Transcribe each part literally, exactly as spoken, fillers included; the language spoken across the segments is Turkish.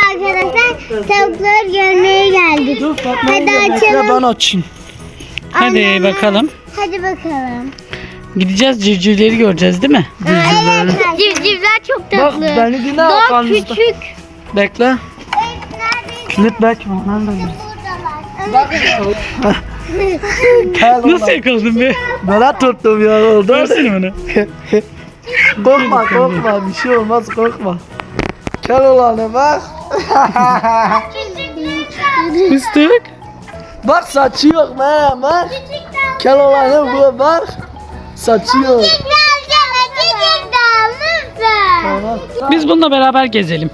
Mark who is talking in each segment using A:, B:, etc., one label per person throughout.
A: arkadaşlar tavukları görmeye geldik. Hadi açalım.
B: Ben açayım.
C: Hadi
A: Anne,
C: bakalım.
A: Hadi bakalım.
C: Gideceğiz, civcivleri göreceğiz değil mi?
A: Evet. Civcivler çok
B: Bak
A: tatlı.
B: beni dinle.
A: Daha
B: arkanızda.
A: küçük.
B: Bekle. Kilit bekle.
A: Buradalar.
B: Gel
C: Nasıl
B: ulan.
C: yakaladın be?
B: Böyle tuttum ya oldu.
C: Versene bana.
B: Korkma korkma bir şey olmaz korkma. Gel ulan bak.
C: Fıstık.
B: Bak saçı yok ne bak. Gel ulan bu bak. Saçı yok. Tamam.
C: Biz bununla beraber gezelim.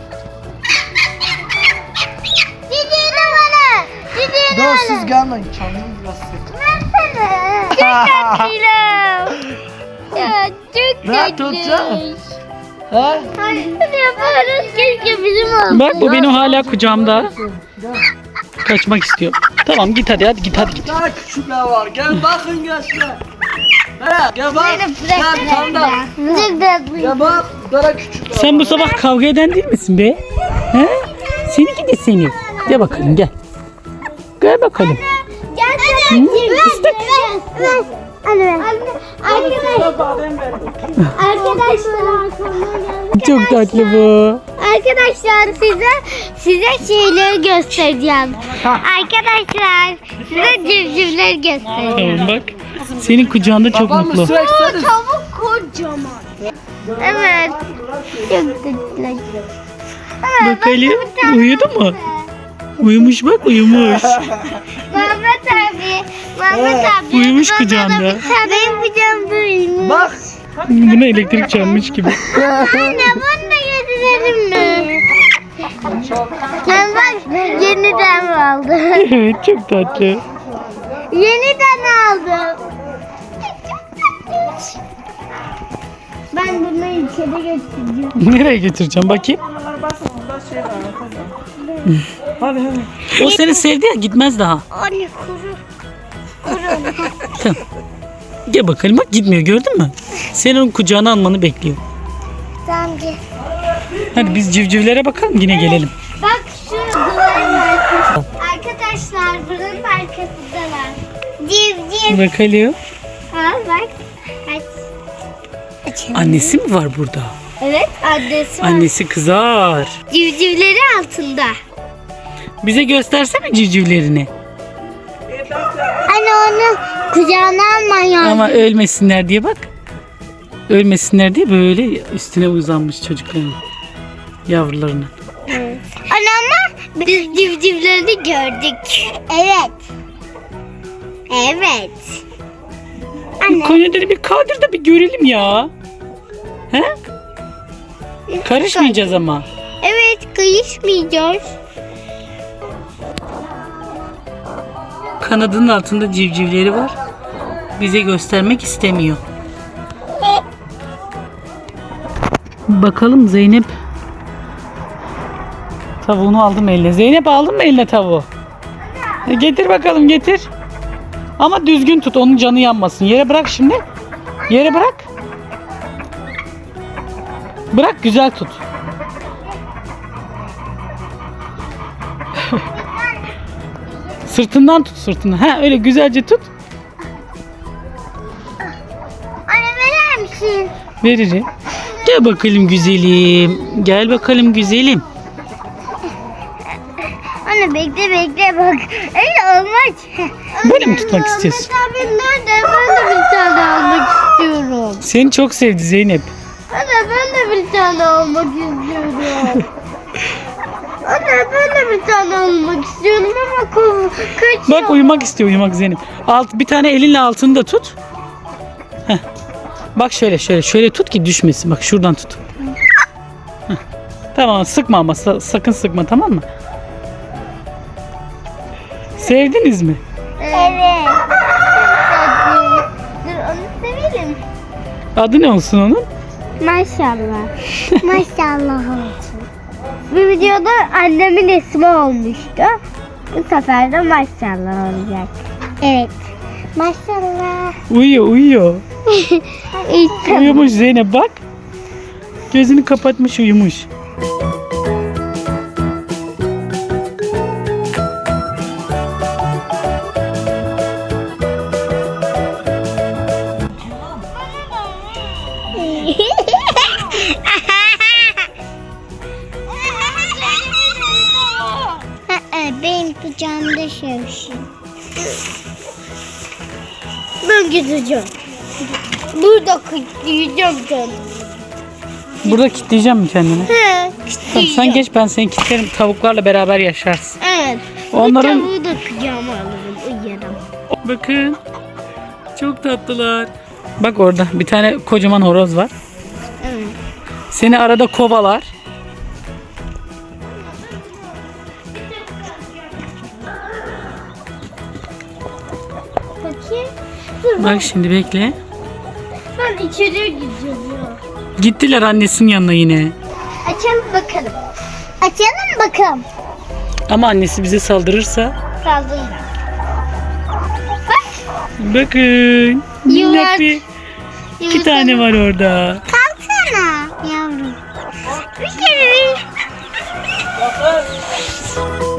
B: Dur siz gelmeyin. Kendimi biraz sık.
A: Ya çok
B: Ne tutacağım? He?
A: Hadi yaparız. Keşke bizim olsun.
C: Bak bu benim hala kucağımda. Kaçmak istiyor. Tamam git hadi hadi git hadi git.
B: Daha küçükler var. Gel bakın gençler. He gel bak. Gel tam da.
A: Çok tatlı.
B: Gel bak. Daha küçükler
C: Sen bu
B: var.
C: sabah kavga eden değil misin be? He? Seni gidi seni. Gel bakalım gel. Gel bakalım.
A: Gel
C: fıstık.
A: Anne. Arkadaşlar. Arkadaşlar.
C: Çok tatlı bu.
A: Arkadaşlar size size şeyleri göstereceğim. Arkadaşlar size civcivleri göstereceğim.
C: Tamam bak. Senin kucağında çok
B: Babam
C: mutlu.
B: mı sürekseniz?
A: Tavuk kocaman. Evet. Çok tatlı.
C: Bakalım. Uyudu mu? Uyumuş bak uyumuş.
A: Mehmet abi. Mehmet abi.
C: Uyumuş
A: bana da
C: kucağında.
A: bir tane- Benim kucağımda uyumuş.
B: Bak.
C: Buna elektrik çarpmış gibi.
A: Anne bunu da getirelim mi? Sen bak yeniden aldım.
C: Evet çok tatlı.
A: Yeniden aldım. Ben bunu içeri götüreceğim.
C: Nereye götüreceğim bakayım?
B: Hadi hadi.
C: O seni sevdi ya gitmez daha.
A: Anne kuru.
C: Tamam. Gel bakalım bak gitmiyor gördün mü? Senin onun kucağına almanı bekliyor.
A: Tamam gel.
C: Hadi biz civcivlere bakalım yine gelelim.
A: Bak şu duvarın arkası. Arkadaşlar buranın arkasındalar. Civ civ.
C: Bakalım.
A: Ha bak. Aç. Açalım.
C: Annesi mi var burada?
A: Evet annesi var.
C: Annesi kızar.
A: Civcivleri altında.
C: Bize göstersene civcivlerini.
A: Anne onu kucağına alman lazım.
C: Ama ölmesinler diye bak. Ölmesinler diye böyle üstüne uzanmış çocukların. Yavrularının.
A: Anne ama biz civcivlerini gördük. Evet. Evet. Anne.
C: Konya'da bir kaldır da bir görelim ya. He? Karışmayacağız ama.
A: Evet kıyışmayacağız.
C: Kanadının altında civcivleri var. Bize göstermek istemiyor. Bakalım Zeynep. Tavuğunu aldım eline. Zeynep aldın mı eline tavuğu? E, getir bakalım getir. Ama düzgün tut onun canı yanmasın. Yere bırak şimdi. Yere bırak. Bırak güzel tut. Sırtından tut sırtından. Ha öyle güzelce tut.
A: Anne verir misin?
C: Veririm. Gel bakalım güzelim. Gel bakalım güzelim.
A: Anne bekle bekle bak. Öyle olmaz.
C: Böyle mi tutmak istiyorsun?
A: Mehmet abi nerede? Ben de bir tane almak istiyorum.
C: Seni çok sevdi Zeynep.
A: Anne ben de bir tane almak istiyorum. Anne ben de bir tane almak istiyorum ama ko- kaçıyor.
C: Bak uyumak istiyor uyumak Zeynep. Alt, bir tane elinle altını da tut. Heh. Bak şöyle şöyle şöyle tut ki düşmesin. Bak şuradan tut. Heh. Tamam sıkma ama sa- sakın sıkma tamam mı? Sevdiniz mi?
A: Evet. Dur onu severim.
C: Adı ne olsun onun?
A: Maşallah. Maşallah olsun. Bir videoda annemin ismi olmuştu. Bu sefer de maşallah olacak. Evet. Maşallah.
C: Uyuyor uyuyor.
A: İşte
C: Uyumuş Zeynep bak. Gözünü kapatmış uyumuş.
A: benim kucağımda sevsin. Ben gideceğim. Burada kilitleyeceğim kendimi.
C: Burada kilitleyeceğim mi kendini?
A: He,
C: Tamam,
A: kilitleyeceğim.
C: sen geç, ben seni kilitlerim. Tavuklarla beraber yaşarsın.
A: Evet.
C: Onların-
A: Bu tavuğu da kucağıma alırım, uyarım.
C: Bakın. Çok tatlılar. Bak orada bir tane kocaman horoz var.
A: Evet.
C: Seni arada kovalar.
A: Bakayım. Dur,
C: Bak şimdi bekle.
A: ben içeriye gideceğim ya.
C: Gittiler annesinin yanına yine.
A: Açalım bakalım. Açalım bakalım.
C: Ama annesi bize saldırırsa.
A: Kaldım.
C: Bakın. Minnak
A: Yuvarlak-
C: bir iki tane var orada.
A: Kalksana yavrum. Bir kere bir.